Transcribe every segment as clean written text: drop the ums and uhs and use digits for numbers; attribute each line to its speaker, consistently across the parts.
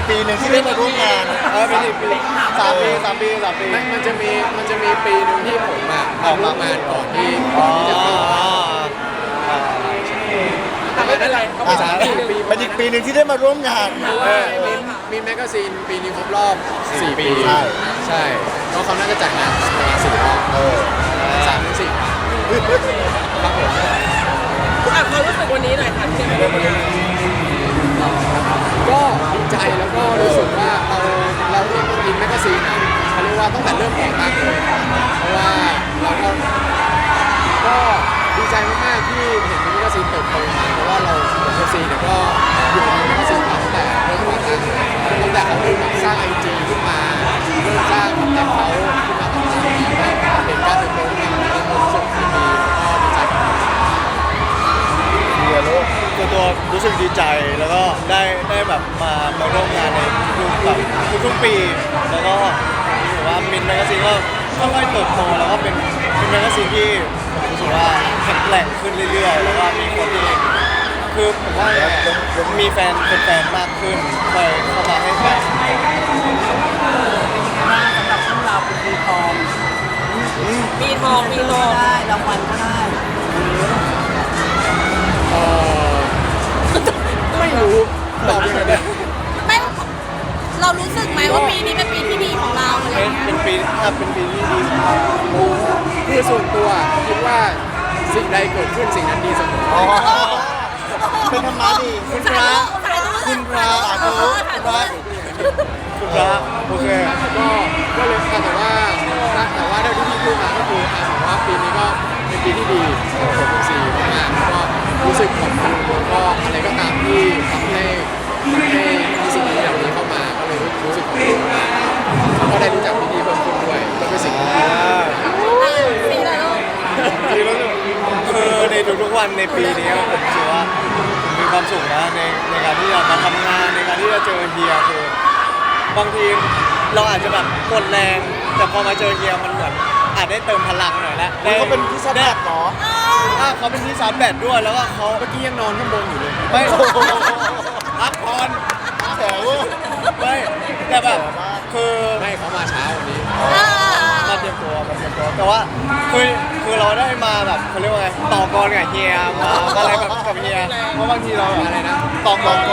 Speaker 1: ปีหนึ่งที่ได้มาร่วมงาน
Speaker 2: เป็นอีกปี3 ปีมันจะมีปีหนึ่งที่ผมออกมางานก่อนที่จะเข้าอะไรก็เป็น3 ปี
Speaker 1: เป็นอีกปีหนึ่งที่ได้มาร่วมงาน
Speaker 2: มีแมกกาซีนปีนี้ครบรอบ4 ปี
Speaker 1: ใช่
Speaker 2: ก็เขาน่าจะจัดงานประมาณ4 รอบ3 ถึง 4 ครับผม
Speaker 3: ความรู้สึกวันนี้หน่อยค่ะที่ได้มาร่วมงาน
Speaker 2: ก็ดีใจแล้วก็รู้สึกว่าเราเองอินแมกกาซีนเขาเรียกว่าตั้งแต่เริ่มก่อตั้งเลยเพราะว่าเราก็ดีใจมากๆที่เห็นแมกกาซีนเติบโตมาเพราะว่าเราแมกกาซีนเนี่ยก็อยู่ในแมกกาซีนมาตั้งแต่เริ่มก่อตั้งตั้งแต่เขาเริ่มสร้างไอจีขึ้นมาเริ่มสร้างแอคเขาขึ้นมาต่างๆเห็นการเติบโตของมันรู้สึกดีแล้วก็ดีใจกับเขา
Speaker 1: เรียนรู้ตัวรู้สึกดีใจแล้วก็ได้แบบมาร่วมงานในทุกๆปี แล้วก็ผมรู้สึกว่ามินแมกกาซีนก็ค่อยๆเติบโตแล้วก็เป็นแมกกาซีนที่ผมรู้สึกว่าแข็งแกร่งขึ้นเรื่อยๆแล้วก็มีคนที่คือผมว่ามีแฟนมากขึ้นคอยเข้ามาให้แฟน
Speaker 3: สำหรับพวกเราเป็นปีทองได้รางวัลก็ได้
Speaker 2: ไม่รู้ตอบยังไงดี
Speaker 4: ไม่เรารู้สึกไหมว่าปีนี้เป็นปีที่ดีของเราอะไรอย่างเงี้ย
Speaker 1: เป็นปีที่ดีของเรา
Speaker 2: คือส่วนตัวคิดว่าสิ่งใดเกิดขึ้นสิ่งนั้นดีเสมอ
Speaker 1: เป็นธรรมะดีคุณพระคุณพระสาธุคุณพระโอเค
Speaker 2: ก็เลยแต่ว่าได้ที่พี่พูดมาก็คือผมว่าปีนี้ก็เป็นปีที่ดีของผมซีมากๆก็รู้สึกขอบคุณแล้วก็อะไรก็ตามที่ทำให้มีสิ่งดีแบบนี้เข้ามาก็เลยรู้สึกขอบคุณมากแล้วก็ได้รู้จักพี่ๆเพิ่มขึ้นด้วยก็เป็นสิ่งที่ดี
Speaker 4: ปีละลูก
Speaker 1: ดีแล้วคือในทุกๆวันในปีนี้ผมรู้สึกว่าผมมีความสุขนะในการที่จะมาทำงานในการที่จะเจอเฮียคือบางทีเราอาจจะแบบกดแรงแต่พอมาเจอเฮียมันเหมือนอาจได้เติมพลังหน่อยแล้วเขาเป็นที่ชาร์จแบตเหรอเขาเป็นที่ชาร์จแบตด้วยแล้วก็เขา
Speaker 2: เมื่อกี้ยังนอนข้างบนอยู่เลย
Speaker 1: ไม่พักผ่อนแถวไม่แต่แบบคือ
Speaker 2: ไม่เขามาเช้าวันนี้
Speaker 1: มาเตรียมตัวแต่ว่าคือเราได้มาแบบเขาเรียกว่าไงต่อกรกับเฮียมาอะไรแบบกับเฮียเพราะบางทีเราอะไรนะต่อกร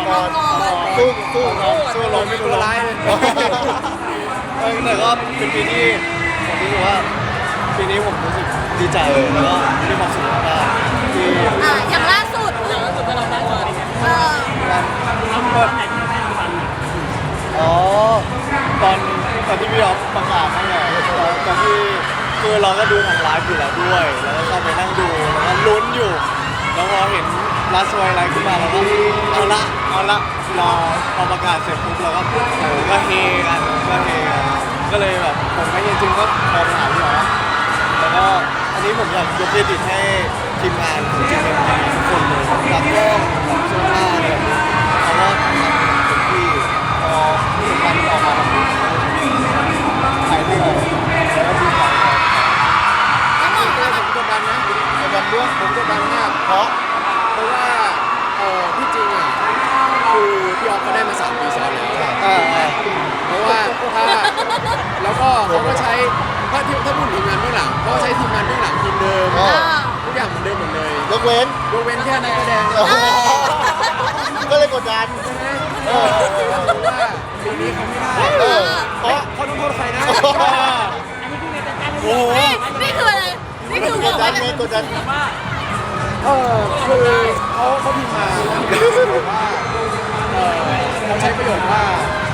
Speaker 1: สู้ลมไม่ตัวร้ายเลยแต่ก็เป็นปีที่ผมรู้สึกว่าปีนี้ผมรู้สึกดีใจแล้วก็มีความสุขมากที่
Speaker 4: อย่างล่าสุด
Speaker 3: ก็เราได้รางวัล
Speaker 1: อ๋อตอนที่พี่อ๊อฟประกาศนั่นแหละตอนที่คือเราก็ดูทางไลฟ์อยู่แล้วด้วยแล้วก็เข้าไปนั่งดูแล้วก็ลุ้นอยู่แล้วพอเห็นลัสไวไลฟ์ขึ้นมาแล้วก็เอาละรอพอประกาศเสร็จปุ๊บเราก็ก็เฮกันก็เลยแบบผมไม่จริงๆก็โทรไปหาพี่อ๊อฟแล้วก็อันนี้ผมอยากยกเครดิตให้ทีมงานของจีเอ็มทีทุกคนเลยตากล้องเสื้อผ้าอะไรแบบนี้เขาก็ทำเต็มที่พอผลงานออกมาแบบนี้ถ่ายด้วยแล้วก็ดีใจ
Speaker 2: ผมกดดันนะ
Speaker 1: ในวันเรื่อง
Speaker 2: ผมกดดันมาก
Speaker 1: เพราะ
Speaker 2: เพราะว่าที่จริงคือพี่ออฟเขาได้มา3 ปีซ้อนแล้วเพราะว่าแล้วก็เขาก็ใช้ถ้าพูดถึงงานเบื้องหลังเขาใช้ทีมงานเบื้องหลังทีมเดิมทุกอย่างเหมือนเดิมหมดเลย
Speaker 1: ยกเว้น
Speaker 2: ยกเว้นแค่นักแสดง
Speaker 1: ก็เลยกดดัน
Speaker 2: ว่าปีนี้เขาไม่ได้
Speaker 1: เพราะ
Speaker 2: เขาต้องโทษใครนะ
Speaker 1: โอ้โห
Speaker 4: นี่คืออะไรนี่คือก บอก
Speaker 1: ดดั
Speaker 4: ว่าน
Speaker 1: ไงกดดัน
Speaker 2: คือเขาพิมพ์มาว่าเขาใช้ประโยชน์ว่า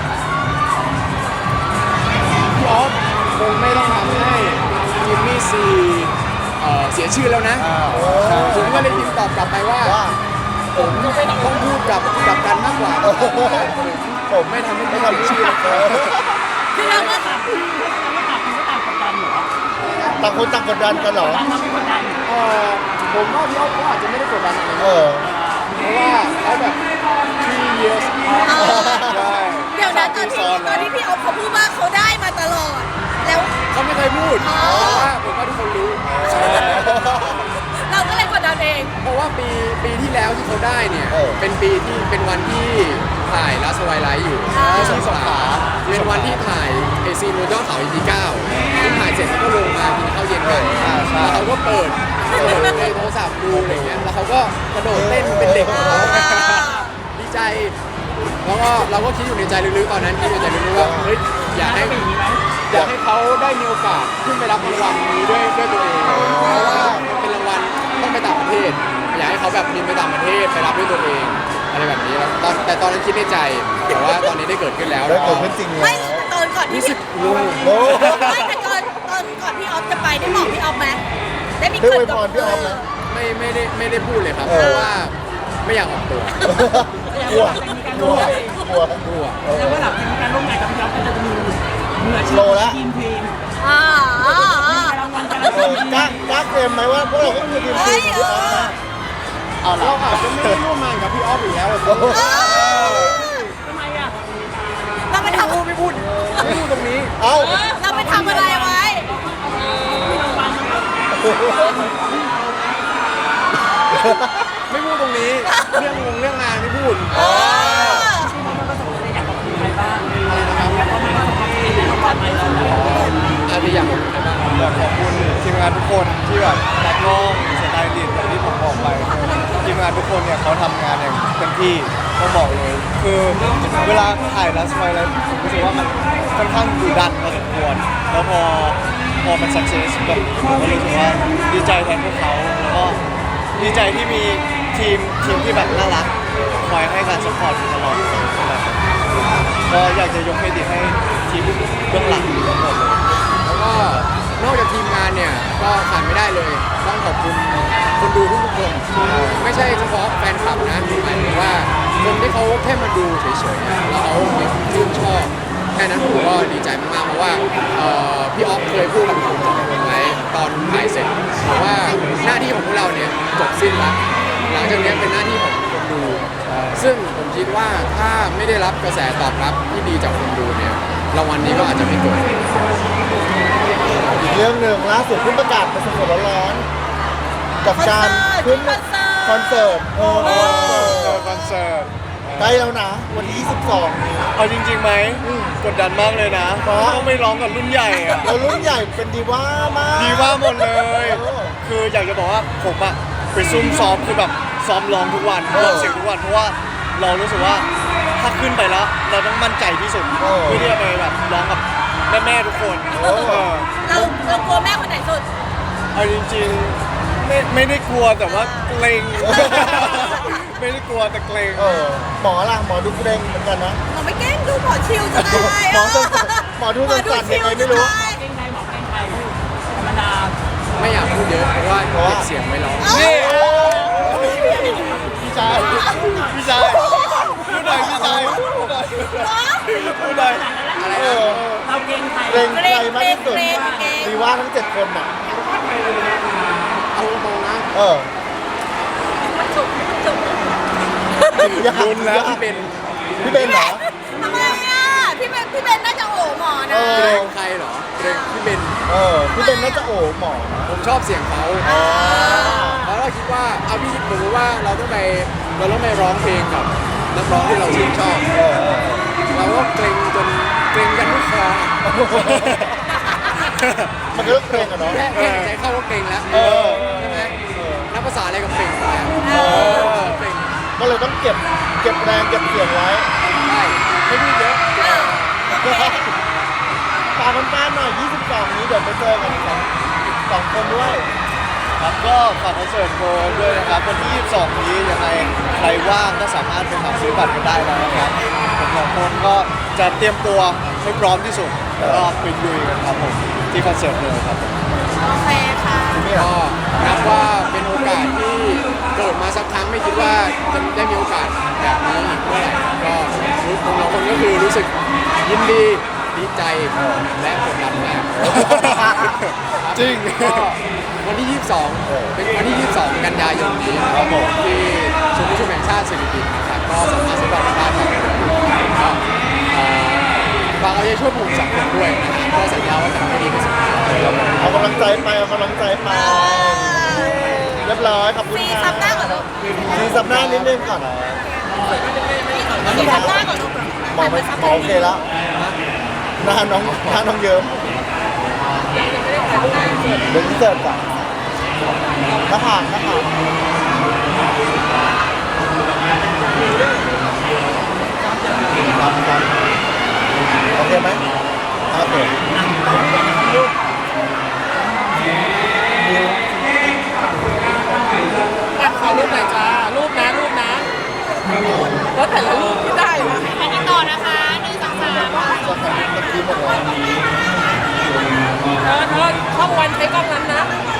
Speaker 2: พี่ออฟคงไม่ต้องทำให้จิมมี่ซีเสียชื่อแล้วนะผมก็เลยพิมพ์ตอบกลับไปว่าผมต้องพูดกับกันมากกว่าผมไม่ทำให้เขาเสียชื่อ
Speaker 4: คือเราก็
Speaker 1: ต่างคนต่างกดดันกันเหรอ
Speaker 2: ผมว่าพี่ออฟเขาอาจจะไม่ได้กดดันอะไรเพราะว่าเขาแบบ3 years ใช่
Speaker 4: เดี๋ยวนะตอนที่พี่อ๊อฟเขาพูดว่าเขาได้มาตลอด แล้ว
Speaker 2: เขาไม่เคยพูดแต่ว่าผมว่าทุกคนรู้
Speaker 4: เราก็เลยกดดันเอง
Speaker 2: เพราะว่าปีที่แล้วที่เขาได้เนี่ยเป็นปีที่เป็นวันที่ถ่ายลาสไวไลท์อยู่ที่สงขลาเป็นวันที่ถ่ายไอซีนบนยอดเขา EP 9ที่ถ่ายเสร็จเขาก็ลงมากินข้าวเย็นกันแล้วเขาก็เปิดในโทรศัพท์ดูอะไรเงี้ยแล้วเขาก็กระโดดเต้นเป็นเด็กของเขาดีใจแล้วก็เราก็คิดอยู่ในใจลึกๆตอนนั้นคิดอยู่ในใจลึกๆว่าเฮ้ยอยากให้เขาได้มีโอกาสขึ้นไปรับรางวัลนี้ด้วยตัวเองเพราะว่ามันเป็นรางวัลต้องไปต่างประเทศอยากให้เขาแบบบินไปต่างประเทศไปรับด้วยตัวเองอะไรแบบนี้แล้วแต่ตอนนั้นคิดในใจแต่ว่าตอนนี้ได้เกิดขึ้นแล้ว
Speaker 1: ได้เกิดขึ้นจริง
Speaker 4: ไม่
Speaker 1: แล้ว
Speaker 4: ตอนก่อนที่
Speaker 2: รู้สึก
Speaker 1: โอ้
Speaker 4: ไม่แต่ก่อนก่อนพี่ออฟจะไปได้บอกพี่ออฟไหมได้มี
Speaker 1: ได้
Speaker 4: เกิ
Speaker 1: อ
Speaker 4: ด
Speaker 1: วยพรพี่ออฟไหม
Speaker 2: ไม่ได้พูดเลยครับเพราะว่าไม่อยากออกตัว
Speaker 1: กลัวกลัวกลัว
Speaker 2: กลัว
Speaker 3: แล้วว่าหลังจากการร่วมงานกับพี่อ๊อฟก็จะมีมืออาชีพ
Speaker 1: โลละ
Speaker 3: ทีมเพลง
Speaker 4: อ่า
Speaker 3: รางวัลการันตี
Speaker 1: กล้าเกมไหมว่าพวกเราก็คือทีมทีมของพี่ออฟนะเอาล่ะ
Speaker 2: เราอาจจะไม่ได้ร่วมงานกับพี่ออฟอีกแล้วอะ
Speaker 3: ทำไมอ่ะ
Speaker 4: เราไปทำ
Speaker 2: ไม่พูดตรงนี้
Speaker 1: เอา
Speaker 4: เราไปทำอะไรไว้
Speaker 2: ไม่พูดตรงนี้เรื่องงานไม่พูด
Speaker 4: เออ
Speaker 2: อะไรนะครับอาจจะอยากบอกใครบ้าง
Speaker 1: อยากขอบคุณทีมงานทุกคนที่แบบนักร้องสไตลิสต์อย่างที่ผมบอกไปทีมงานทุกคนเนี่ยเขาทำงานอย่างเต็มที่ต้องบอกเลย คือเวลาถ่ายแล้วสมัยแล้วผมรู้สึกว่ามันค่อนข้างดุดันพอสมควรแล้วพอมันสักเซสแบบนี้ผมก็รู้สึกว่าดีใจแทนพวกเขาแล้วก็ดีใจที่มีทีมที่แบบน่ารักคอยให้การสปอร์ตอยู่ตลอดก็อยากจะยกเครดิตให้ทีมเบื้องหลังทั้งหมดเลย
Speaker 2: แล้วก็นอกจากทีมงานเนี่ยก็ขาดไม่ได้เลย ต้องขอบคุณคนดูทุกๆคนไม่ใช่เฉพาะแฟนคลับนะหมายถึงว่าคนที่เขาแค่มาดูเฉยๆแล้วเขาชื่นชอบแค่นั้นผมก็ดีใจมากๆเพราะว่าพี่ออฟเคยพูดกับผมไว้ตอนถ่ายเสร็จบอกว่าหน้าที่ของพวกเราเนี่ยจบสิ้นแล้วหลังจากนี้เป็นหน้าที่ของคนดู ซึ่งผมคิดว่าถ้าไม่ได้รับกระแสตอบรับที่ดีจากคนดูเนี่ยรางวัลนี้ก็อาจจะไม่เกิด
Speaker 1: อีกเรื่องหนึ่งล่าสุดเพิ่งประกาศมาสดๆร้อนๆกับการขึ้นคอนเสิร์ตคอนเสิร์ตใกล้แล้วนะวันที่22เอาจริงๆไหมกดดันมากเลยนะเพราะต้องไม่ร้องกับรุ่นใหญ่อะเรารุ่นใหญ่เป็นดีว่ามากดีว่าหมดเลย คืออยากจะบอกว่าผมอะไปซุ่มซ้อมคือแบบซ้อมร้องทุกวันร้องเสียงทุกวันเพราะว่าเรารู้สึกว่าถ้าขึ้นไปแล้วเราต้องมั่นใจที่สุดเพื่อที่จะไปแบบร้องกับแม่ๆทุกคน
Speaker 4: เรากลัวแม่คนไหนสุด
Speaker 1: เอาจริงๆไม่ได้กลัวแต่ว่าเกรง ไม่ได้กลัวแต่เกรงหมอล่ะหมอดูเกรงเหมือนกันนะ
Speaker 4: เราไม่แกล้งดูหมอชิวจะได้
Speaker 1: หมอดูสั่นๆยังไงไม่รู้
Speaker 3: เก่งไทยบอกเก่งไทยธรรมดา
Speaker 2: ไม่อยากพูดเยอะเพราะว่าเก็บเสียงไม่ร้อง
Speaker 1: นี่พี่ชายพูดหน่อยพี่ชายพูดหน่อย
Speaker 2: อะไร
Speaker 1: เอ
Speaker 2: นะ
Speaker 1: อ
Speaker 3: เราเก่งไทย
Speaker 1: เกรงใครมากที่สุดดีว่าทั้ง7 คนน่ะ
Speaker 2: เอาตรงๆนะ
Speaker 1: เออลุ้นแล้ว
Speaker 2: พี่เป็น
Speaker 1: พี่เบนเหรอ
Speaker 4: ทำไมอ่ะพี่เบนน่าจะโอ้หมอนะ
Speaker 2: เกรงใครเหรอเกรงพี่เป็น
Speaker 1: พี่เบนน่าจะโอ้หมอ
Speaker 2: ผมชอบเสียงเขาแล้วเราคิดว่าเอาพี่คิดสมมติว่าเราต้องไปร้องเพลงกับนักร้องที่เราชื่นชอบเราก็เกรงจนเกรงกันทุกคอ
Speaker 1: มันก็เกรงอะเนาะ
Speaker 2: แค่หายใจเข้าก็เกรงแล้วใช่ไหมนับภาษาอะไรกับเกรงไปเกรง
Speaker 1: ก็เลยต้องเก็บแรงเก็บเสียงไว้
Speaker 2: ได้ไม่พูดเยอะ
Speaker 1: ฝากแฟนๆหน่อย 22 นี้เดี๋ยวไปเจอกันสองคนด้วย ครับก็ฝากคอนเสิร์ตโกด้วยนะครับวันที่ 22 นี้ยังไงใครว่างก็สามารถไปหาซื้อบัตรกันได้แล้วนะครับผมสองคนก็จะเตรียมตัวให้พร้อมที่สุดแล้วก็ไปลุยกันครับผมที่คอนเสิร์ตเลยครับผม
Speaker 4: โอเคค่ะ
Speaker 2: ก็นับว่าเป็นโอกาสที่เกิดมาสักครั้งไม่คิดว่าจะได้มีโอกาสแบบนี้อีกเมื่อไหร่ก็รู้ของเราคนก็คือรู้สึกยินดีดีใจและกดดันมาก
Speaker 1: จริง
Speaker 2: ก็วันที่ 22 เป็นวันที่ 22 กันยายนนี้นะครับผมที่ศูนย์ประชุมแห่งชาติสิริกิติ์นะครับก็สามารถซื้อบัตรได้ต่อเลยก็ฝากเอาใจช่วยผม2 คนด้วยนะครับก็สัญญาว่าจะทำให้ดีที่สุดครับ
Speaker 1: เอากำลังใจไปเอากำลังใจไปเรียบร้อยขอบคุณ
Speaker 4: ซี
Speaker 1: ครับ
Speaker 4: ซับหน้าก่อนลูก
Speaker 1: ซีซับหน้านิดนึงก่อน
Speaker 4: โอที่ทำหน้าก่อนลูก
Speaker 1: มองไม่มองโอเคแล้วหน้าน้องเยิ้มเดี๋ยวเสิร์ฟก่อนหน้าผากครับโอเคไหมโอเค
Speaker 3: อ่ะขอรูปหน่อยจ้ารูปนะแล้วแต่ละรูปที่ได้นะ
Speaker 4: ถ่ายติดต่อนะคะ1 2 3
Speaker 1: จะแข่งเมื่อกี้หมดแล้ว
Speaker 3: เธอช่องวันใช้กล้องนั้นนะ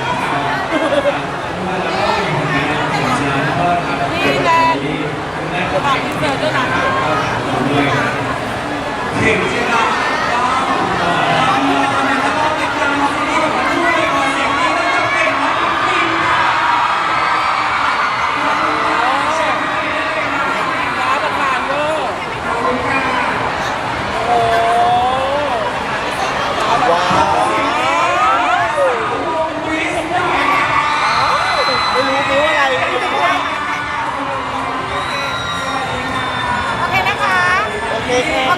Speaker 3: นี่แหละฝากอินเสิร์ตด้วยนะฟ้าประธานเวอร์โอ้
Speaker 1: ว้าวไม่รู้นิ้วอะไร
Speaker 4: โอเคนะคะ
Speaker 1: โอเคค่ะ
Speaker 4: โอ